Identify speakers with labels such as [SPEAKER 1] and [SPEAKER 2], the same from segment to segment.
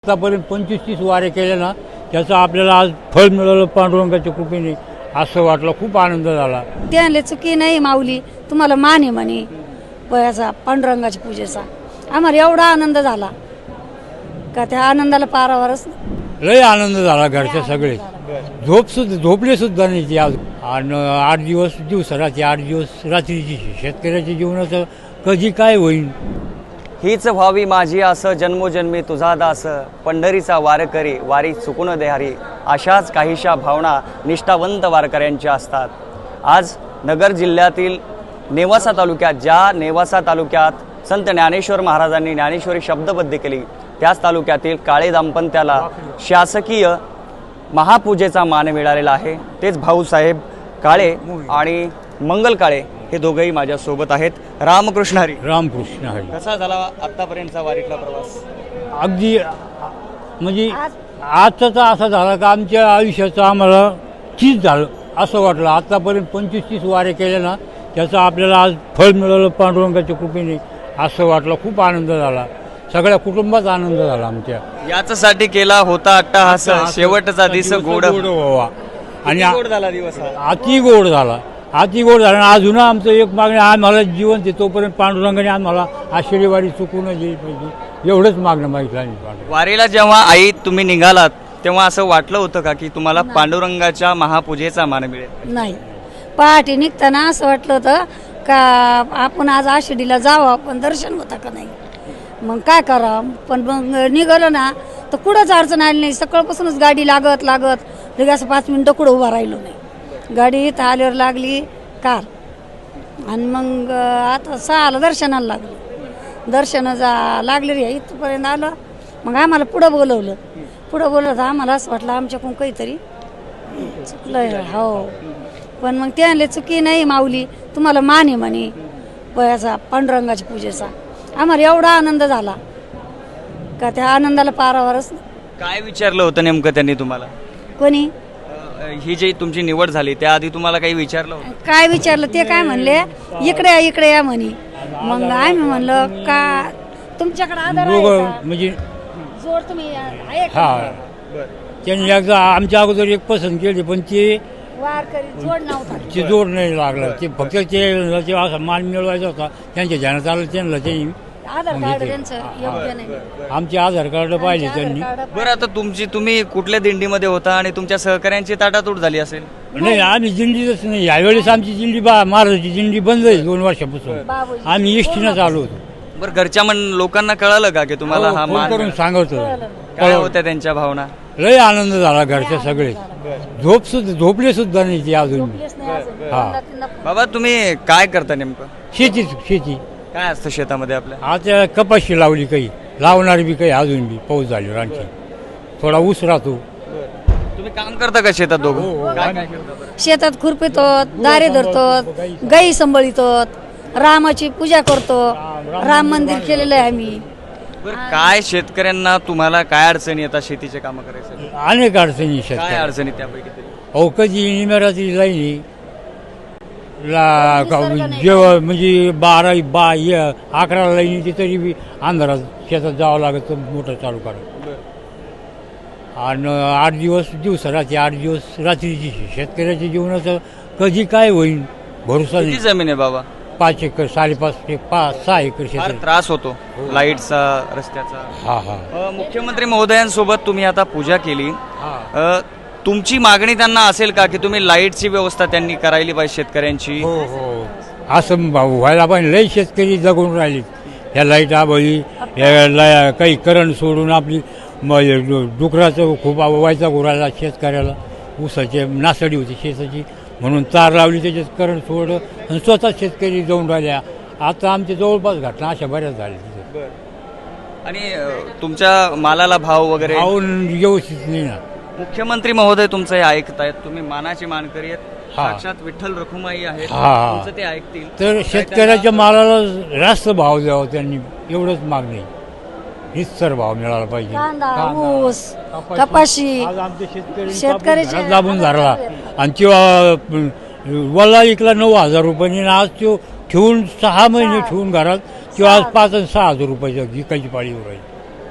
[SPEAKER 1] आतापर्यंत 25-30 वारे केले ना, त्याचं आपल्याला आज फळ मिळालं पांडुरंगाच्या कृपेने, असं वाटलं. खूप आनंद झाला.
[SPEAKER 2] त्याले चुकी नाही माऊली, तुम्हाला मान आहे म्हणे वयाचा पांडुरंगाच्या पूजेचा. आम्हाला एवढा आनंद झाला का त्या आनंदाला पारावरच
[SPEAKER 1] लय आनंद झाला. घरचे सगळे झोपले सुद्धा नाही ते आज. आणि 8 दिवस दिवसाराची 8 दिवस रात्रीची शेतकऱ्याच्या जीवनाचं कधी काय होईल.
[SPEAKER 3] हीच व्हावी माझी आस, जन्मोजन्मी तुझा दास, पंढरीचा वारकरी वारी चुकून देहारी. अशाच काहीशा भावना निष्ठावंत वारकऱ्यांच्या असतात. आज नगर जिल्ह्यातील नेवासा तालुक्यात, ज्या नेवासा तालुक्यात संत ज्ञानेश्वर महाराजांनी ज्ञानेश्वरी शब्दबद्ध केली, त्याच तालुक्यातील काळे दाम्पत्याला शासकीय महापूजेचा मान मिळालेला आहे. तेच भाऊसाहेब काळे आणि मंगल काळे हे दोघंही माझ्यासोबत आहेत. रामकृष्ण हरी.
[SPEAKER 1] रामकृष्ण हरी.
[SPEAKER 3] कसा झाला आत्तापर्यंतचा वारीतला प्रवास?
[SPEAKER 1] अगदी म्हणजे आजचा तर असा झाला का आमच्या आयुष्याचं आम्हाला चीज झालं असं वाटलं. आतापर्यंत 25-30 वारे केले ना, त्याचं आपल्याला आज फळ मिळालं पांडुरंगाच्या कृपेने, असं वाटलं. खूप आनंद झाला. सगळ्या कुटुंबात आनंद झाला आमच्या.
[SPEAKER 3] याच्यासाठी केला होता अट्टाहास, शेवटचा दिवस गोड
[SPEAKER 1] व्हावा. आणि
[SPEAKER 3] गोड झाला दिवस हा.
[SPEAKER 1] अति गोड झाला. अति गोड झाला. अजून आमचं एक मागणी, आम्हाला जीवन ते तोपर्यंत पांडुरंगाने आम्हाला आषाढी वारी चुकून गेली पाहिजे, एवढंच मागणं मागितलं आम्ही.
[SPEAKER 3] वारीला जेव्हा आई तुम्ही निघालात तेव्हा असं वाटलं होतं का की तुम्हाला पांडुरंगाच्या महापूजेचा मान मिळेल?
[SPEAKER 2] नाही. पहाटे निघताना असं वाटलं होतं का आपण आज आषाढीला जावं, पण दर्शन होतं का नाही. मग काय करावं, पण मग निघालो ना तर कुठंच अडचण आली नाही. सकाळपासूनच गाडी लागत लगेच असं 5 मिनिटं कुठं उभा राहिलो नाही. गाडी इथं आल्यावर लागली कार, आणि मग आता 6ला दर्शनाला लागलं. लागले रे इथपर्यंत आलं. मग आम्हाला पुढं बोलवलं तर आम्हाला असं वाटलं आमच्याकडून काहीतरी चुकलं. हो, पण मग त्याले चुकी नाही माऊली, तुम्हाला मान आहे म्हणे वयाचा पांडुरंगाच्या पूजेचा. आम्हाला एवढा आनंद झाला का त्या आनंदाला पारावरच.
[SPEAKER 3] काय विचारलं होतं नेमकं त्यांनी तुम्हाला?
[SPEAKER 2] कोणी
[SPEAKER 3] ही जी तुमची निवड झाली त्याआधी तुम्हाला काही विचारलं होतं?
[SPEAKER 2] काय विचारलं ते काय म्हणले, इकडे या म्हणे. मग आम्ही म्हणलं का तुमच्याकडे आधार आहे
[SPEAKER 1] दोघं
[SPEAKER 2] का?
[SPEAKER 1] म्हणजे
[SPEAKER 2] जोड तुम्ही आहे का?
[SPEAKER 1] हा, त्यांनी एकदा आमच्या अगोदर एक पसंत केली, पण ते
[SPEAKER 2] वारकरी जोड नव्हता.
[SPEAKER 1] ते जोड नाही लागला. ते फक्त ते असा मान मिळवायचा होता. त्यांच्या ध्यानात आलं त्यांनी
[SPEAKER 2] आधार कार्ड त्यांचं योग्य नाही.
[SPEAKER 1] आमचे आधार कार्ड पाहिले त्यांनी.
[SPEAKER 3] बरं, आता तुम्ही कुठल्या दिंडीमध्ये होता आणि तुमच्या सहकाऱ्यांची ताटातूट झाली असेल?
[SPEAKER 1] नाही, आम्ही दिंडीतच नाही. यावेळेस आमची दिंडी महाराजाची दिंडी बंद आहे 2 वर्षापासून.
[SPEAKER 2] बाबूजी.
[SPEAKER 1] आम्ही एसटीनं चालू होतो.
[SPEAKER 3] बरं, घरच्या लोकांना कळालं का की तुम्हाला हा
[SPEAKER 1] फोन
[SPEAKER 3] मान
[SPEAKER 1] करून
[SPEAKER 3] मिळाला?
[SPEAKER 1] सांगत
[SPEAKER 3] काय होत्या त्यांच्या भावना?
[SPEAKER 1] लय आनंद झाला. घरचे सगळे झोपले सुद्धा नाही ते अजून.
[SPEAKER 2] झोपलेच नाही अजून.
[SPEAKER 1] हा.
[SPEAKER 2] दोनदा-तीनदा
[SPEAKER 3] बाबा, तुम्ही काय करता नेमकं?
[SPEAKER 1] शेती
[SPEAKER 3] काय असतं शेतामध्ये आपल्या?
[SPEAKER 1] आता कपाशी लावली, काही लावणारी बी, काही अजून बी पाऊस झाली आणखी थोडा ऊस राहतो.
[SPEAKER 3] तुम्ही काम करता का शेतात दोघं? काय काय करता बरं?
[SPEAKER 2] शेतात खुरपितो, दारे धरतो, गाई सांभाळितो, रामाची पूजा करतो. राम मंदिर केलेलं आहे आम्ही.
[SPEAKER 3] बरं, काय शेतकऱ्यांना तुम्हाला काय अडचणी येतात शेतीचे कामं करायचं?
[SPEAKER 1] अनेक अडचणी
[SPEAKER 3] काय
[SPEAKER 1] शेतकरी.
[SPEAKER 3] अडचणी त्यापैकी तरी?
[SPEAKER 1] अहो, कधी निमेराची लाईनी जेव्हा म्हणजे 11 लाईनी ती तरी बी अंधारात शेतात जावं लागत मोटर चालू करा. आणि 8 दिवस दिवसाराची 8 दिवस रात्रीची शेतकऱ्याच्या जीवनाचं कधी काय होईल भरोसा
[SPEAKER 3] किती
[SPEAKER 1] नाही.
[SPEAKER 3] जमीन आहे बाबा?
[SPEAKER 1] 5 एकर 5.5 ते 6 एकर
[SPEAKER 3] फार
[SPEAKER 1] शेत.
[SPEAKER 3] त्रास होतो लाईटचा, रस्त्याचा.
[SPEAKER 1] हा.
[SPEAKER 3] मुख्यमंत्री महोदयांसोबत तुम्ही आता पूजा केली.
[SPEAKER 1] हा.
[SPEAKER 3] तुमची मागणी त्यांना असेल का की तुम्ही लाईटची व्यवस्था त्यांनी करायला पाहिजे शेतकऱ्यांची?
[SPEAKER 1] हो. असं व्हायला पाहिजे. लई शेतकरी जगून राहिले ह्या लाईट आबळी, काही करंट सोडून आपली डुकराचं खूप व्हायचा गुराला शेतकऱ्याला. ऊसाची नासडी होती शेताची, म्हणून तार लावली, त्याच्यात करंट सोडलं आणि स्वतः शेतकरी जाऊन राहिल्या. आता आमच्या जवळपास घटना अशा बऱ्याच झाल्या.
[SPEAKER 3] आणि तुमच्या मालाला भाव वगैरे
[SPEAKER 1] पाहून व्यवस्थित नाही ना.
[SPEAKER 3] मुख्यमंत्री महोदय तुमचं हे ऐकतायत, तुम्ही मानाचे मानकरी आहेत,
[SPEAKER 1] हा.
[SPEAKER 3] साक्षात विठ्ठल रखुमाई आहेत,
[SPEAKER 1] हा.
[SPEAKER 3] तुमचं ते ऐकतील.
[SPEAKER 1] तर शेतकऱ्याच्या मालाला जास्त भाव द्यावा त्यांनी, एवढंच मागणी. निस्तर भाव मिळाला पाहिजे.
[SPEAKER 2] कांदा, ऊस, कपाशी,
[SPEAKER 1] आज आमचे
[SPEAKER 2] शेतकऱ्याचे
[SPEAKER 1] घरात दाबून धरला आणि तेव्हा वल्ला इकला 9,000 रुपयांनी. आज तो ठेवून 6 महिने ठेवून घरात, किंवा आज 5 आणि 6 हजार रुपयाच्या विकायची पाळीवर राहील.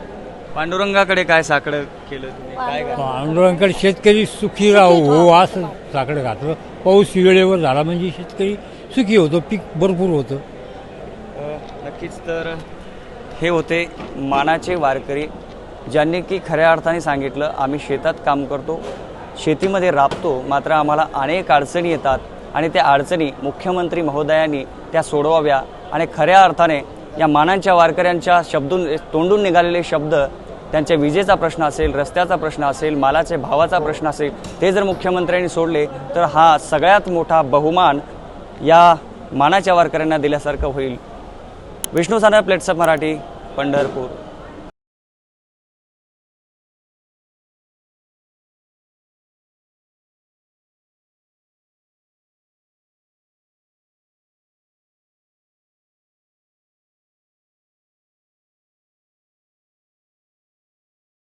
[SPEAKER 3] पांडुरंगाकडे काय साकडं केलं तुम्ही काय काय
[SPEAKER 1] पांडुरंगाकडे शेतकरी सुखी राहू हो असं साकडं घातलं. पाऊस वेळेवर झाला म्हणजे शेतकरी सुखी होतो, पीक भरपूर होतं.
[SPEAKER 3] नक्कीच. तर हे होते मानाचे वारकरी, ज्यांनी की खऱ्या अर्थाने सांगितलं आम्ही शेतात काम करतो, शेतीमध्ये राबतो, मात्र आम्हाला अनेक अडचणी येतात आणि त्या अडचणी मुख्यमंत्री महोदयांनी त्या सोडवाव्या. आणि खऱ्या अर्थाने या मानांच्या वारकऱ्यांच्या तोंडून निघालेले शब्द, त्यांच्या विजेचा प्रश्न असेल, रस्त्याचा प्रश्न असेल, मालाचे भावाचा प्रश्न असेल, ते जर मुख्यमंत्र्यांनी सोडले तर हा सगळ्यात मोठा बहुमान या मानाच्या वारकऱ्यांना दिल्यासारखं होईल. विष्णू सानप, प्लेट्सअप मराठी, पंढरपूर.